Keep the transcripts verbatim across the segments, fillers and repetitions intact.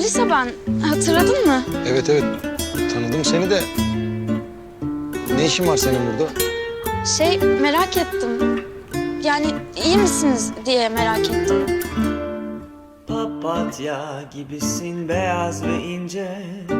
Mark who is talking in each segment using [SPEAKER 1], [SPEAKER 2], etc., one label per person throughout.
[SPEAKER 1] Melisa ben. Hatırladın mı?
[SPEAKER 2] Evet evet. Tanıdım seni de. Ne işin var senin burada?
[SPEAKER 1] Şey merak ettim. Yani iyi misiniz diye merak ettim.
[SPEAKER 3] Papatya gibisin beyaz ve ince.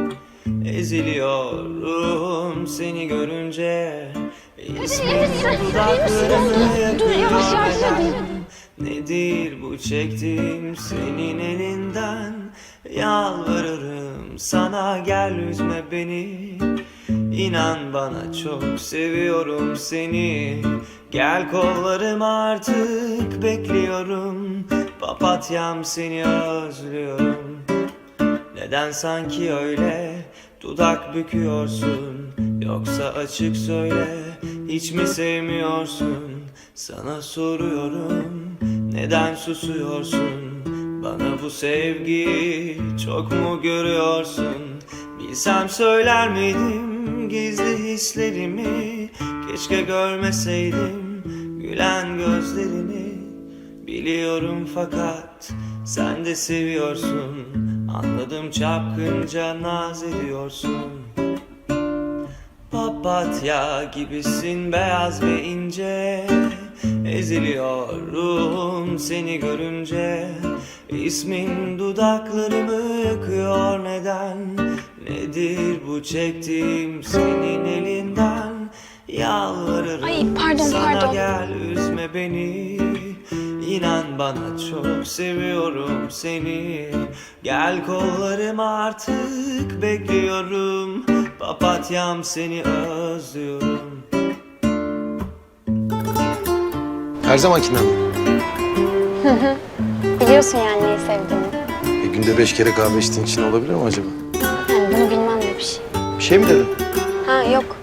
[SPEAKER 3] Eziliyorum seni görünce. İsmin dudaklarını yakıyor. Nedir bu çektiğim senin elinden? Yalvarırım sana gel üzme beni. İnan bana çok seviyorum seni. Gel kollarıma artık bekliyorum. Papatyam seni özlüyorum. Neden sanki öyle dudak büküyorsun? Yoksa açık söyle hiç mi sevmiyorsun? Sana soruyorum neden susuyorsun? Bana bu sevgiyi çok mu görüyorsun? Bilsem söyler miydim gizli hislerimi? Keşke görmeseydim gülen gözlerini. Biliyorum fakat sen de seviyorsun. Anladım çapkınca naz ediyorsun. Papatya gibisin beyaz ve ince. Eziliyorum seni görünce. İsmin dudaklarımı yakıyor neden? Nedir bu çektiğim senin elinden? Yalvarırım
[SPEAKER 1] Ay, pardon,
[SPEAKER 3] sana
[SPEAKER 1] pardon.
[SPEAKER 3] gel üzme beni. İnan bana çok seviyorum seni. Gel kollarıma artık bekliyorum. Papatyam seni özlüyorum.
[SPEAKER 2] Her zamankinden mi?
[SPEAKER 4] Biliyorsun yani neyi sevdiğimi.
[SPEAKER 2] E, günde beş kere kahve içtiğin için olabilir mi acaba?
[SPEAKER 4] Yani bunu bilmem de bir şey.
[SPEAKER 2] Bir şey mi dedin?
[SPEAKER 4] Ha yok.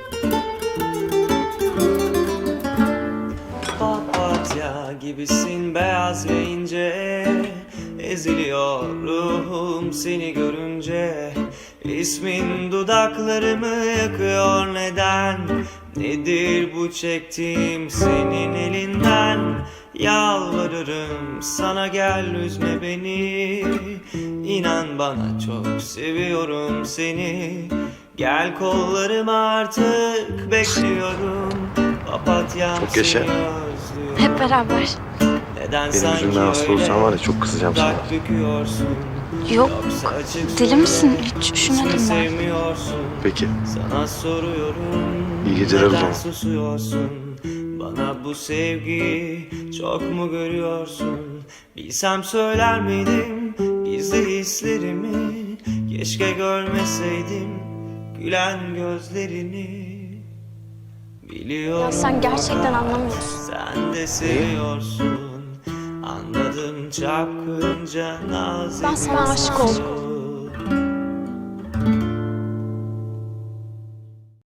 [SPEAKER 3] Papatya gibisin beyaz ve ince. Eziliyorum seni görünce. İsmin dudaklarımı yakıyor neden? Nedir bu çektiğim senin elinden? Yalvarırım sana gel üzme beni. İnan bana çok seviyorum seni. Gel kollarıma artık bekliyorum. Papatyam
[SPEAKER 2] Çok yaşa.
[SPEAKER 3] seni özlüyorum.
[SPEAKER 1] Hep beraber.
[SPEAKER 3] Neden
[SPEAKER 2] Benim
[SPEAKER 3] sanki
[SPEAKER 2] yüzümden hasta
[SPEAKER 3] öyle
[SPEAKER 2] olsan var ya, çok kızacağım sana.
[SPEAKER 3] dudak büküyorsun?
[SPEAKER 1] Yok.
[SPEAKER 3] Yoksa açık
[SPEAKER 1] Deli
[SPEAKER 3] söyle,
[SPEAKER 1] misin? Hiç
[SPEAKER 3] hiç mi
[SPEAKER 1] üşümedim ben.
[SPEAKER 3] sevmiyorsun?
[SPEAKER 2] Peki.
[SPEAKER 3] Sana soruyorum.
[SPEAKER 2] İyi geceler o
[SPEAKER 3] neden
[SPEAKER 2] zaman.
[SPEAKER 3] susuyorsun? Bana bu sevgiyi çok mu görüyorsun? Bilsem söyler miydim gizli hislerimi? Keşke görmeseydim gülen gözlerini. Biliyorum
[SPEAKER 4] Ya sen gerçekten
[SPEAKER 3] fakat
[SPEAKER 4] anlamıyorsun.
[SPEAKER 3] sen de seviyorsun. Anladım çapkınca naz
[SPEAKER 4] Ben sana aşık oldum.
[SPEAKER 3] ediyorsun.